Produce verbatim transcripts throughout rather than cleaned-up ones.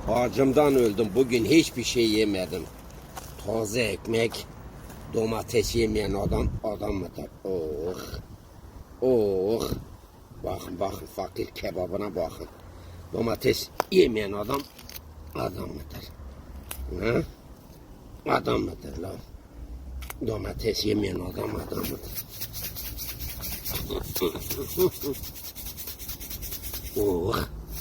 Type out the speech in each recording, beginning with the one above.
Acımdan öldüm. Bugün hiçbir şey yemedim. Taze ekmek, domates yemeyen adam adam mıdır? Oh. Oh. Bakın bakın fakir kebabına bakın. Domates yemeyen adam adam mıdır? Ha? Adam mıdır lan? Domates yemeyen adam adam mıdır? Oh.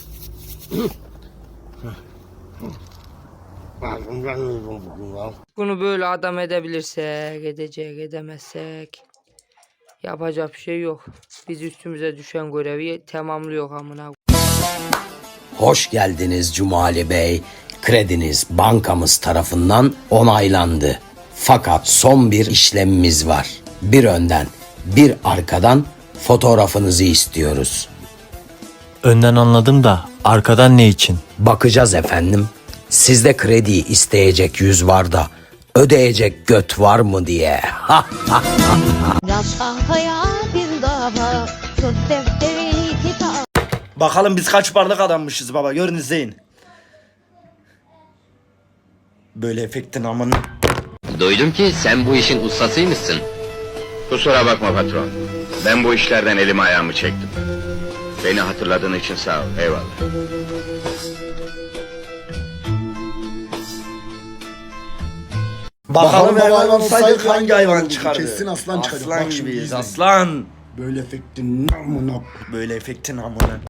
Ağzımdan öldüm bugün ya. Bunu böyle adam edebilirsek, edecek, edemezsek yapacak bir şey yok. Biz üstümüze düşen görevi tamamlıyor amına. Hoş geldiniz Cumali Bey. Krediniz bankamız tarafından onaylandı. Fakat son bir işlemimiz var. Bir önden, bir arkadan fotoğrafınızı istiyoruz. Önden anladım da arkadan ne için? Bakacağız efendim. Sizde krediyi isteyecek yüz var da ödeyecek göt var mı diye. Ha ha. Yaz tahtaya bir dava, tut defterini kitap. Bakalım biz kaç parlık adammışız baba, görün izleyin. Böyle efektin amın. Duydum ki sen bu işin ustasıymışsın. Kusura bakma patron. Ben bu işlerden elimi ayağımı çektim. Beni hatırladığın için sağ ol. Eyvallah. Bakalım hayvan olsaydık hangi hayvan çıkardı? Kesin aslan çıkacak. Aslan Bak şimdi gibiyiz izle. aslan. Böyle efektin namına. Böyle efektin amına.